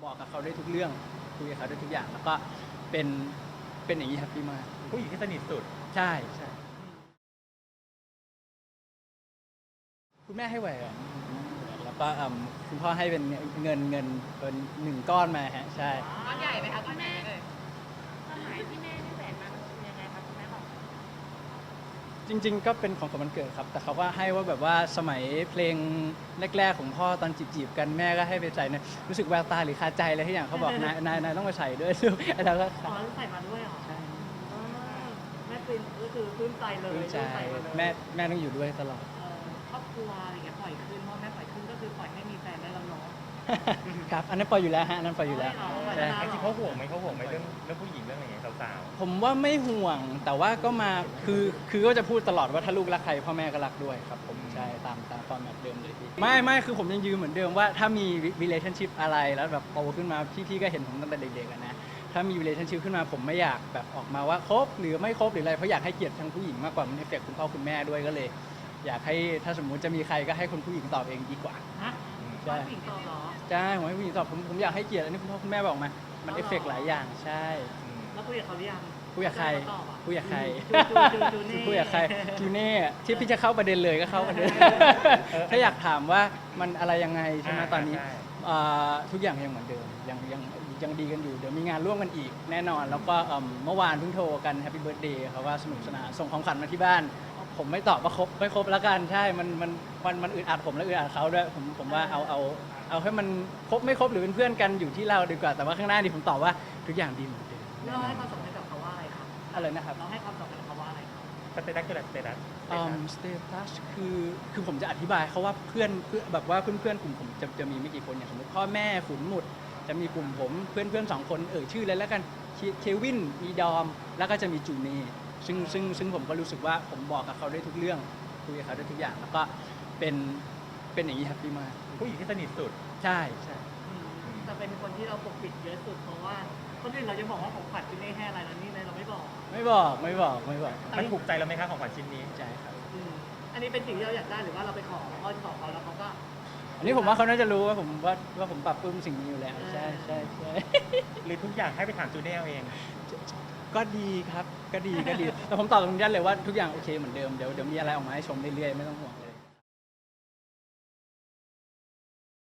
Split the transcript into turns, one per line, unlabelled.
บอกกับเขาได้ทุกเรื่องคุยกับเขาได้ทุกอย่างแล้วก็เป็นเป็นอย่างนี้แฮปปี้มาก
ผู้หญิงที่สนิทสุด
ใช่ใช่คุณแม่ให้แหวนแล้วก็คุณพ่อให้เป็นเงินเป็น1 ก้อนมาฮะใช่
ก้อนใหญ่ไหมคะก้อนใหญ่เลย
ความหมายที่แม่ให้แหวนมามันคือยังไงครับคุณแม่บอก
จริงๆก็เป็นของขวัญวันเกิดครับแต่เขาก็ให้ว่าแบบว่าสมัยเพลงแรกๆของพ่อตอนจีบๆกันแม่ก็ให้ไปใส่นะรู้สึกแววตาหรือคาใจอะไรที่อย่างเขาบอกนายต้องมาใส่ด้วยลูกแล้วก็
อ๋อใส่มาด้วยเหรอ
ใช่
อ่าแม่ปลื้มก็คือปลื้มใจเลย
รู้ใจ
ใส่มาเลย
แม่ต้องอยู่ด้วยตลอด
ครอบครัวอะไรอย่างเงี้ยปล่อยขึ้นพ่อแม่ปล่อยขึ้นก็คือปล่อยให้มีแฟนได้แล้วเนาะ
ครับอันนั้นปล่อยอยู่แล้วฮะอันนั้นปล่อยอยู่แล้ว
อ๋อปล่อย
ใช่
แล้ว
จริงๆเขาห่วงไหมเรื่องผู้หญิงเรื่องอะไรอย่างเงี้ยสาว
ผมว่าไม่ห่วงแต่ว่าก็มาคือก็จะพูดตลอดว่าถ้าลูกรักใครพ่อแม่ก็รักด้วยครับผมใช่ตามฟอร์แมตเดิมเลยพี่ไม่คือผมยังยืนเหมือนเดิมว่าถ้ามี relationship อะไรแล้วแบบโตขึ้นมาพี่ก็เห็นผมตั้งแต่เด็กๆนะถ้ามี relationship ขึ้นมาผมไม่อยากแบบออกมาว่าคบหรือไม่คบหรืออะไรเพราะอยากให้เกียรติทั้งผู้หญิงมากกว่ามันเอฟเฟกต์คุณพ่อคุณแม่ด้วยก็เลย อยากให้ถ้าสมมุติจะมีใครก็ให้คนผู้หญิงตอบเองดีกว่า
ฮะ
ใช่
ผู้หญิงตอบเหรอ
ใช่ผมให้ผู้หญิงตอบผมอยากให้เกียรติอันนี้คุณพ่อคุณแม่บอกมามันเอฟเฟกต์หลายอย่างใช่
แล้วคุยกับเขาหรือยัง
คุยกับใคร
เขาตอบอ่ะ
คุยกับใคร
จูเน่
คุยกับใครจูเน่ที่พี่จะเข้าประเด็นเลยก็เข้าประเด็น ถ้าอยากถามว่ามันอะไรยังไงใช่ไหมตอนนี้ทุกอย่างยังเหมือนเดิมยังดีกันอยู่เดี๋ยวมีงานร่วมกันอีกแน่นอน แล้วก็เมื่อวานเพิ่งโทรกันแฮปปี้เบิร์ดเดย์เขาว่าสนุกสนานส่งของขวัญมาที่บ้าน ผมไม่ตอบว่าครบไม่ครบแล้วกันใช่มันอึดอัดผมและอึดอัดเขาด้วยผมว่าเอาให้มันครบไม่ครบหรือเป็นเพื่อนกันอยู่ที่เราดีกว่าแต่ว่าข้างหน้านี่ผมตอบว่าทุกอย่างดีเหมือนเดิม
เราให้ความสำคัญกับเขาว่าอะไรครับ
อะไรนะครับ
เราให้ความสำคัญกับเขาว่าอะไรครับ
ๆสเตตัสคืออะไรสเตตัส
สเตตัสคือผมจะอธิบายเขาว่าเพื่อนแบบว่าเพื่อนกลุ่มผมจะมีไม่กี่คนอย่างสมมติพ่อแม่ขุนหมุดจะมีกลุ่มผมเพื่อน2 คนชื่อเลยแล้วกันเควินมีดอมแล้วก็จะมีจูเน่ซึ่งผมก็รู้สึกว่าผมบอกกับเขาได้ทุกเรื่องคุยกับเขาได้ทุกอย่างแล้วก็เป็นอย่างนี้แฮปปี้มาก
ผู้หญิงที่สนิทสุด
ใช่
แต่เป็นคนที่เราปกปิดเยอะสุดเพราะว่าคนอื่นเราจะบอกว่าของขวัญที่ไม่ให้อะไรแล้วนี่เลยเราไม่บอก
ไม่บอก
มันถูกใจเราไหมคะของขวัญชิ้นนี้
ใช่ครับ
อันนี้เป็นสิ่งที่เราอยากได้หรือว่าเราไปขอเขาแล้วเขาก็
อันนี้ผมว่าเขาน่าจะรู้ว่าผมปรับปรื้มสิ่งนี้อยู่แล้วใช่
หรือทุกอย่างให้ไปถามจูเน่เอาเอง
ก็ดีครับก็ดีแต่ผมตอบตรงนี้เลยว่าทุกอย่างโอเคเหมือนเดิมเดี๋ยวมีอะไรออกมาให้ชมเรื่อยๆไม่ต้องห่วงเลย